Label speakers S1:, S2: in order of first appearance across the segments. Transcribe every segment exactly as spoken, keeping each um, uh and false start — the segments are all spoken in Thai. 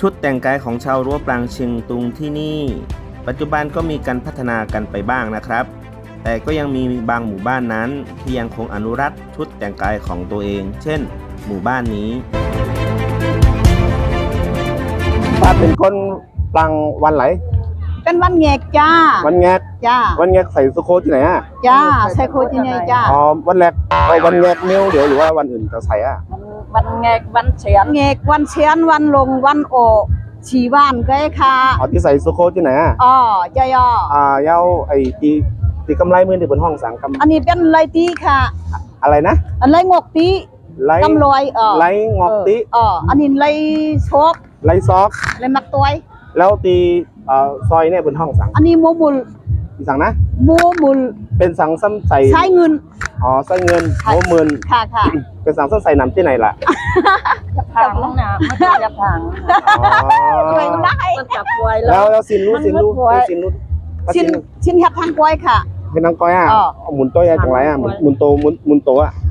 S1: ชุดแต่งกายของชาวรั้วปรางเชียงตุงที่นี่ปัจจุบันก็มีการพัฒนากันไปบ้างนะครับแต่ก็ยังมีบางหมู่บ้านนั้นที่ยังคงอนุรักษ์ชุดแต่งกายของตัวเองเช่นหมู่บ้านนี้
S2: ป้าเป็นคนปรางวันไหน
S3: เป็นวันแงกจ้า
S2: วันแงก
S3: จ้า
S2: วันแงกใส่สุโคที่ไหนอ่ะ
S3: จ้าใส่โคที่ไหนจ้า
S2: อ๋อวันแรกเอาวันแงกเนี้ยเดี๋ยวหรือว่าวันอื่นจะใส่อ่ะ
S3: วันแงกวันเฉียนแงกวันเฉียนวันลงวันโอฉีบ้านก็ค่ะ
S2: อ๋อที่ใส่สุโคที่ไหนอ่ะ
S3: อ๋อจ้ายอ
S2: อ่าเย้าไอ้ตีตีกำไรมือที่บนห้องสังกำ
S3: อันนี้เป็นไรตีค่ะ
S2: อะไรนะ
S3: ไรงอกตีกำลอยเออ
S2: ไรงอกตี
S3: อ๋ออันนี้ไรชก
S2: ไรซอก
S3: ไรมักตัว
S2: แล้วตีเอ่อซอยเนี่ยบนห้องสัง
S3: อันนี้โมมุล
S2: ที่สังนะ
S3: โมมุล
S2: เป็นสังซ้ำใส่
S3: ใช้เงิน
S2: อ๋อใส่เงินโมมุล
S3: ค่ะค่ะ
S2: เป็นสังซ้ำใส่น้ำที่ไหนล่ะ
S3: ผังน้ำไม่ใช่ผังอ๋อได้จับไว้
S2: แล้วแล้วสินรู้สินรู้สินรู้
S3: ชิ้นชิ้นแค่ทางก้อยค่ะ
S2: เป็นทางก้อยอ่ะหมุนตัวอย่างไรอ่ะหมุนโตหมุนหมุนโตอ่ะ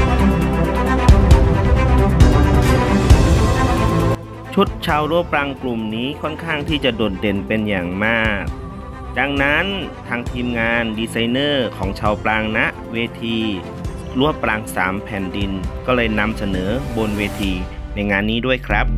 S1: ชุดชาวรั้วปรางกลุ่มนี้ค่อนข้างที่จะโดดเด่นเป็นอย่างมากดังนั้นทางทีมงานดีไซเนอร์ของชาวปรางณเวทีรั้วปรางสามแผ่นดินก็เลยนำเสนอบนเวทีในงานนี้ด้วยครับ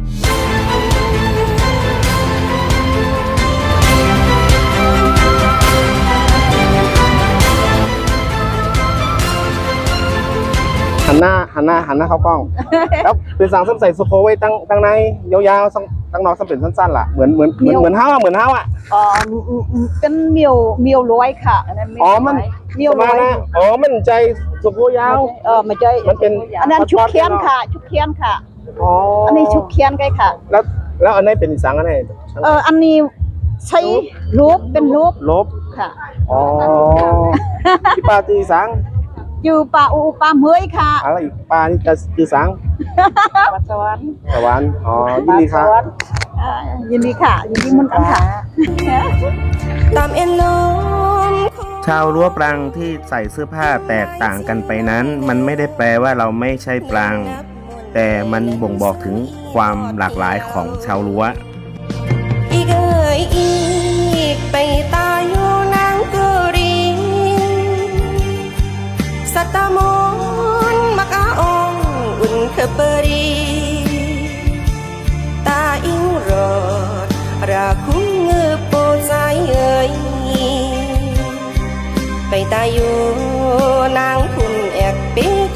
S2: หันหน้าหันหน้าหันหน้าเข้ากล้องแล้วเป็นสังซ้ำใส่สุโคไว้ตั้งตั้งในยาวๆตั้งนอกซ้ำเป็นสั้นๆล่ะเหมือนเหมือนเหมือนเหมือนเท้าเหมือนเท้าอ่ะ
S3: อ๋อเป็นเมียวเมียวร้อยค่ะ
S2: อ๋อมันเมียวร้อยอ๋อมันใจสุโคยาว
S3: เออมันใจ
S2: มันเป็น
S3: อันนั้นชุบเคียนค่ะชุบเคียนค่ะ
S2: อ๋อ
S3: อันนี้ชุบเคียนไงค่ะ
S2: แล้วแล้วอันนี้เป็นสังอันไหน
S3: เอออันนี้ใช้รูปเป็นรูป
S2: ลบ
S3: ค่ะ
S2: อ๋อที่ปาตีสัง
S3: อยู่ป่าอูป่าเมยค่ะ
S2: อะไรอีกปลานี่จะคือสัง
S3: ปัสสาวะ
S2: สวรรค์อ๋อยินดีครับ
S3: ยินดีค่ะยินดีมันกันค่ะ
S1: ตามเอ็นลมชาวรั้วปรางที่ใส่เสื้อผ้าแตกต่างกันไปนั้นมันไม่ได้แปลว่าเราไม่ใช่ปรางแต่มันบ่งบอกถึงความหลากหลายของชาวรั้ว
S4: อีกเอ่ยอีกไปตาอยู่นางกุรีสัตมนมักอาองอุ่นเคเปรีตาอิงรอดราคุ้งเงือโปใจเอ่ยไปตาอยู่นางคุณแอกเป